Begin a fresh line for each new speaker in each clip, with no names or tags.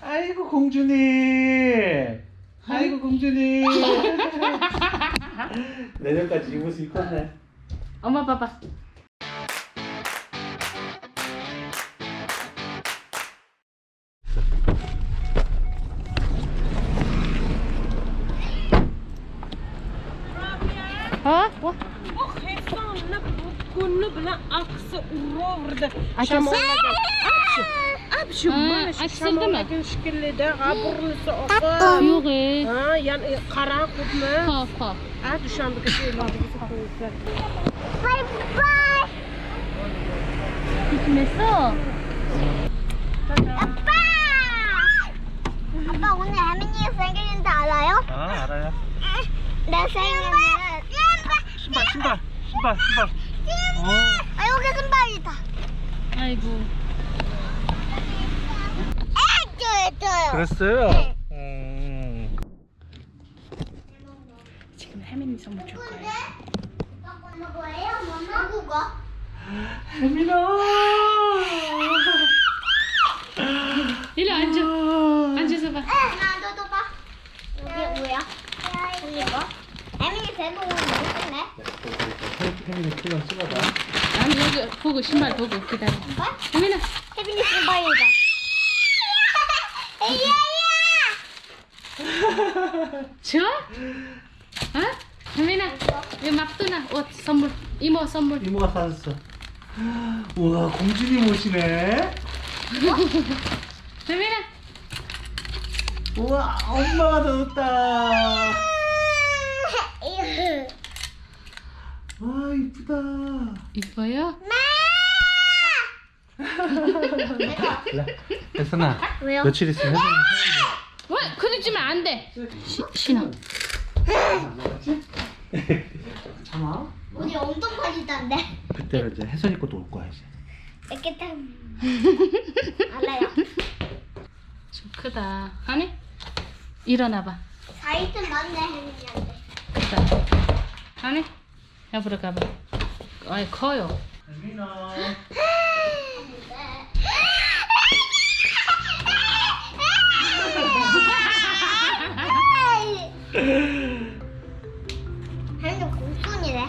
아이고 공주님. 아이고 공주님. 내년까지 입을 수 있겠네.
엄마 봐봐. ها
خصنا كنا بلا أقص ورورد
عشان
أبشر ماشي
أكسل
شكل ده عبر السقف
يوغي
ها يعني قراق ما
خاف
عاد شام بكثير ما
باي باي.
됐어.
아빠! 아빠 오늘 혜민이 생일인데 알아요?
아 알아요.
내 생일은
신발.
아 여기 신발이다.
아이고.
줘요.
그랬어요.
지금 혜민이 선물 줄 거예요.
뭐예요? 누구가?
혜민아.
이리 앉아. 앉아서 봐.
나도 봐. 이게 뭐야? 이거? 혜민이 배고 오네.
혜민이 표정 찍어봐.
아니 여기 보고 신발 보고 기다려.
신발?
혜민아.
혜민이 신발이다.
좋아? 어? 혜민아. 이거 막두나 옷 선물. 이모 선물.
이모가 사줬어. 우와 공주님 옷이네.
혜민아.
우와 엄마가 넣었다. 와 이쁘다.
이뻐요?
혜선아.
왜요?
며칠 있으면 혜선이
왜? 그러지면 안 돼. 신어.
참아.
우리 엄청 빠지던데.
그때가 이제 혜선이 것도 올 거야 이제.
이렇게 딱 알아요.
좀 크다. 하니? 일어나봐.
4일쯤 맞네 혜민이한테.
크다. 하니? 옆으로 가봐. 아이 커요.
혜민아.
혜민이 공손이래.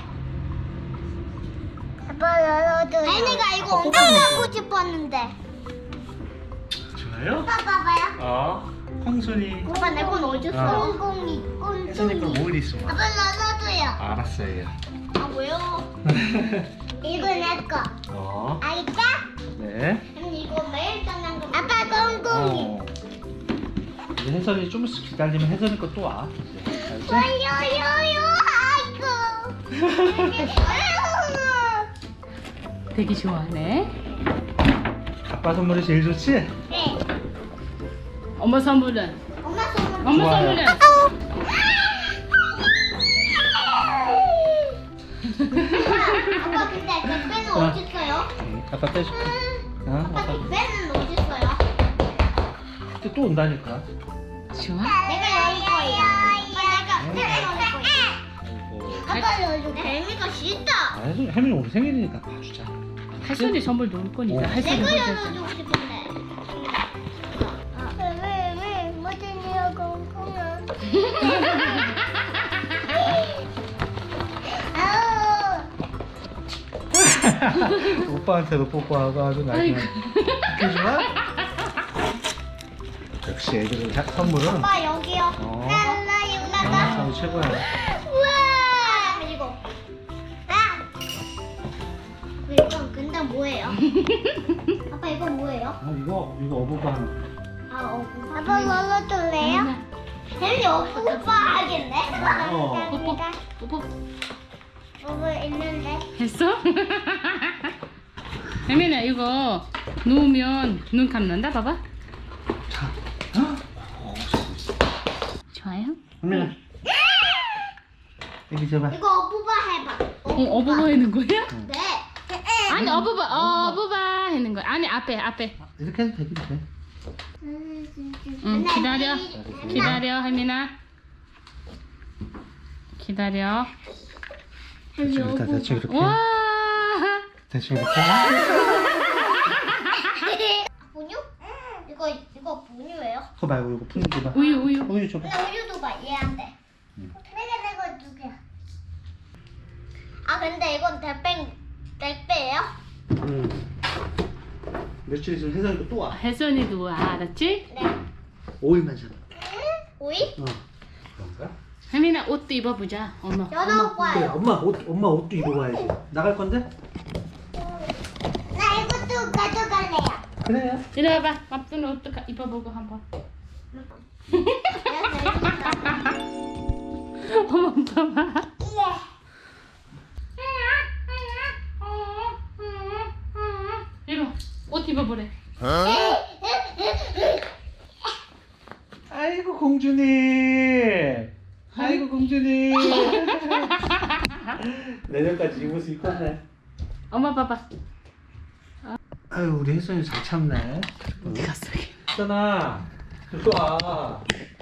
아빠 나도. 혜민이가 이거 엄청 갖고 싶었는데.
좋아요?
오빠 봐봐요.
콩순이.
오빠 내 건 어디 있어? 꽁꽁이
혜선이 거
꽁꽁이.
뭘 있어?
아빠 나도요.
알았어요.
아 왜요? 이거 내 거. 알겠다?
네.
혜민이 이거 매일 떠난 거. 아빠 꽁꽁이.
이제 혜선이 좀 있으면 기다리면 혜선이 거 또 와. 이제. 알지?
요요요 아이고.
되게 좋아하네.
아빠 선물이 제일 좋지?
네.
엄마 선물은?
엄마 선물.
엄마
좋아요.
선물은?
아빠 근데 그 배는 어디 있어요?
아빠 떼줄게.
아빠 그 배는 어디 있어요?
그때 또 온다니까.
좋아?
내가 여기 거예요. 아빠 내가 여기 거예요.
아이고.
아빠 여기 뱀이가 싫다.
아, 혜선이 우리 생일이니까 봐주자.
혜선이 선물 놓을 거니까. 혜선이
내가
혼자.
열어주고 싶은데. 왜 뭐든지요 공공은. 아우.
오빠한테도 뽀뽀하고 아주
아이고.
나중에 그지만 역시 애들은 선물은
아빠 여기요. 랄라 유라가.
참 최고야.
우와. 이거. 아. 이건 근데 뭐예요? 아빠 이거 뭐예요?
이거 어부반.
아빠 눌러줄래요? 혜민이 오빠 하겠네?
어.
뽀뽀.
오빠 있는데.
했어? 혜민아 이거 누우면 눈 감는다 봐봐.
자.
좋아요?
혜민아. 여기 줘봐.
이거 오빠 해봐.
어부바 하는 거야?
네.
아니 어부바 하는 거야. 아니 앞에.
이렇게 해도 되긴 돼.
응 기다려 혜민아. 기다려.
일단 대충 이렇게.
와.
대충 이렇게.
분유? 이거 분유예요?
그거 말고 이거 푸는 줘봐.
우유
우유 줘봐.
근데 우유도 봐, 얘한테. 내가 두 개. 아, 근데 이건 택배예요?
응. 며칠 있으면 혜선이도 또 와.
혜선이도 와, 알았지?
네.
5일만 잡아.
오이?
그런가?
혜민아 옷도 입어보자. 엄마.
여덟
그래,
번.
엄마 옷도 입어봐야지. 나갈 건데?
나 이것도 가져갈래요.
그래요.
이리 와봐. 밥도는 옷도 입어보고 한번. 어머 봐봐. 이거 옷 입어보래.
아이고 공주님. 아이고 공주님. 내년까지 이 모습 입었네.
엄마 봐봐.
아유 우리 혜선이 잘 참네.
어디 갔어?
혜선아, 이리 와.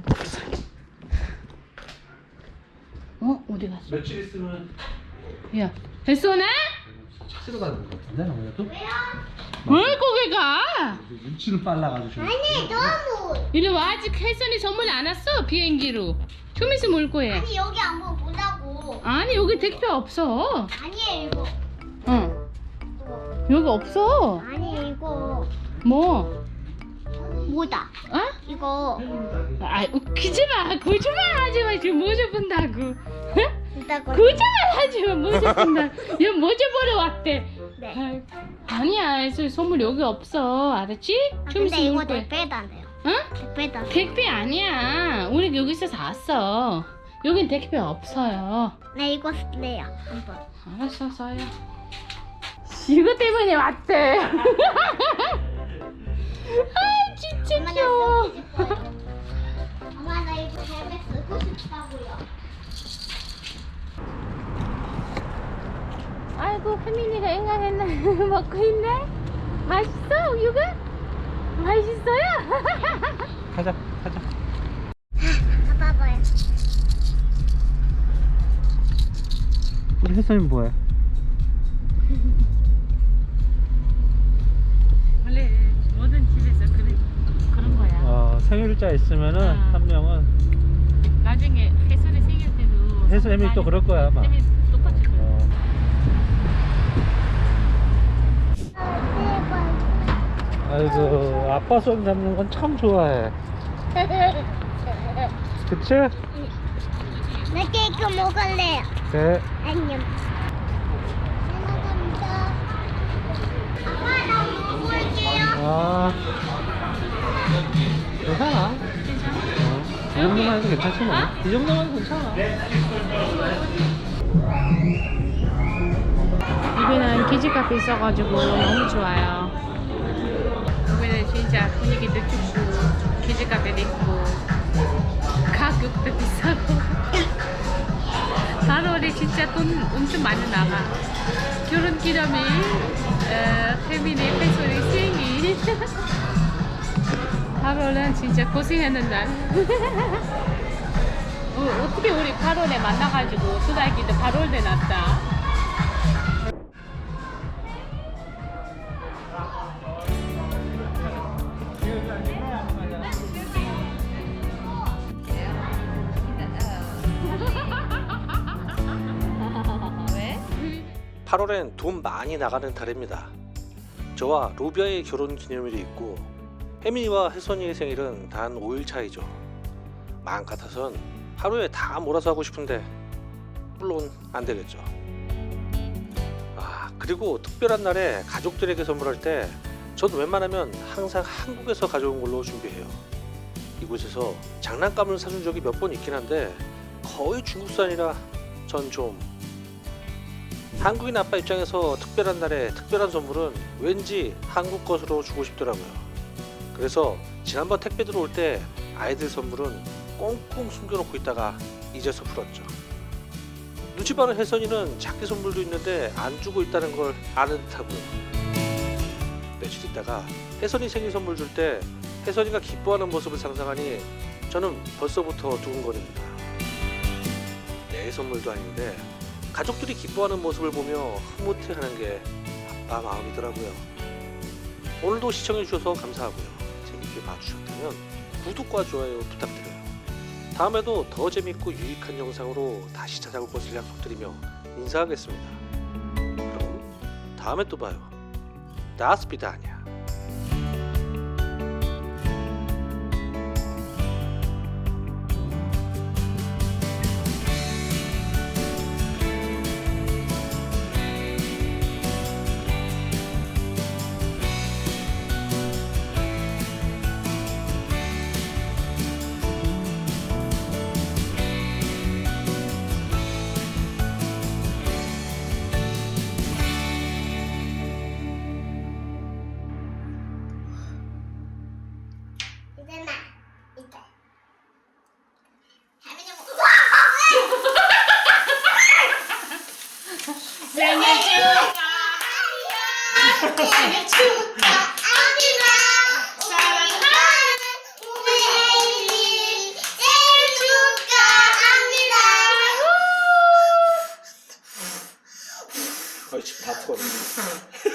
어디 갔어?
며칠 있으면
야, 혜선아?
찾으러 가는 것 같은데 아무래도.
왜 거기 가?
눈치는 빨라가지고.
아니, 너무.
이리 와. 아직 혜선이 선물 안 왔어. 비행기로. 좀 있으면 올 거야.
아니, 여기 한번 보자고.
아니 여기 택배 없어.
아니에요, 이거.
응. 여기 없어.
아니, 이거.
뭐?
뭐다?
어?
이거.
아 웃기지 마. 거짓말 하지 마. 지금 모자 본다고.
이따 거.
거짓말 하지 마. 모자 본다. 얘 모자 보러 왔대.
네.
아니야. 그래서 선물 여기 없어. 알았지?
아,
좀
근데
있으면
이거
올 거야.
택배도 안 돼요.
응?
택배도 안 돼요.
택배 아니야. 우리 여기서 샀어. 여긴 택배 없어요.
네, 이거 쓸래요. 한번.
알았어, 써요. 이거 때문에 왔대. 아, 진짜
엄마, 나
귀여워.
쓰고 싶어요. 엄마, 나 이거 벨벳 쓰고 싶다고요.
아이고, 혜민이가 앵간했나 먹고 있네. 맛있어, 우유가? 맛있어요?
가자.
봐봐요.
우리 혜선이 뭐해?
원래 모든 집에서 그런 거야.
생일자 있으면은
아.
한 명은
나중에 혜선이 생길 때도
혜선이 또 그럴 거야 아마.
혜미 똑같이 그래.
아이고 아빠 손 잡는 건 참 좋아해. 그치?
나 케이크 먹을래요.
네.
안녕. 감사합니다. 아빠, 나 먹을게요.
아 괜찮아. 이 정도만 해도 괜찮지 뭐. 이 정도만 해도 괜찮아.
여기는 키즈카페 있어가지고 너무 좋아요. 여기는 진짜 분위기도 좋고 키즈카페도 있고 가격도 비싸고 8월에 진짜 돈 엄청 많이 나가. 결혼기념일, 혜민의 혜선이 생일 8월은 진짜 고생하는 날. 어떻게 우리 8월에 만나가지고 수달기도 8월에 났다. 왜?
8월엔 돈 많이 나가는 달입니다. 저와 루비아의 결혼 기념일이 있고 혜민이와 혜선이의 생일은 단 5일 차이죠. 마음 같아선 하루에 다 몰아서 하고 싶은데 물론 안 되겠죠. 그리고 특별한 날에 가족들에게 선물할 때 전 웬만하면 항상 한국에서 가져온 걸로 준비해요. 이곳에서 장난감을 사준 적이 몇 번 있긴 한데 거의 중국산이라 전 좀 한국인 아빠 입장에서 특별한 날에 특별한 선물은 왠지 한국 것으로 주고 싶더라고요. 그래서 지난번 택배 들어올 때 아이들 선물은 꽁꽁 숨겨놓고 있다가 이제서 풀었죠. 눈치 빠른 혜선이는 자기 선물도 있는데 안 주고 있다는 걸 아는 듯하고요. 며칠 있다가 혜선이 생일 선물 줄 때 혜선이가 기뻐하는 모습을 상상하니 저는 벌써부터 두근거립니다. 내 선물도 아닌데 가족들이 기뻐하는 모습을 보며 흐뭇해하는 게 아빠 마음이더라고요. 오늘도 시청해주셔서 감사하고요. 재밌게 봐주셨다면 구독과 좋아요 부탁드려요. 다음에도 더 재밌고 유익한 영상으로 다시 찾아올 것을 약속드리며 인사하겠습니다. 그럼 다음에 또 봐요. 다스비다냐.
이제 나 이제 할머니 생일 축하합니다. 사랑하는 우리 아이들 생일 축하합니다.
지금 다 터졌네.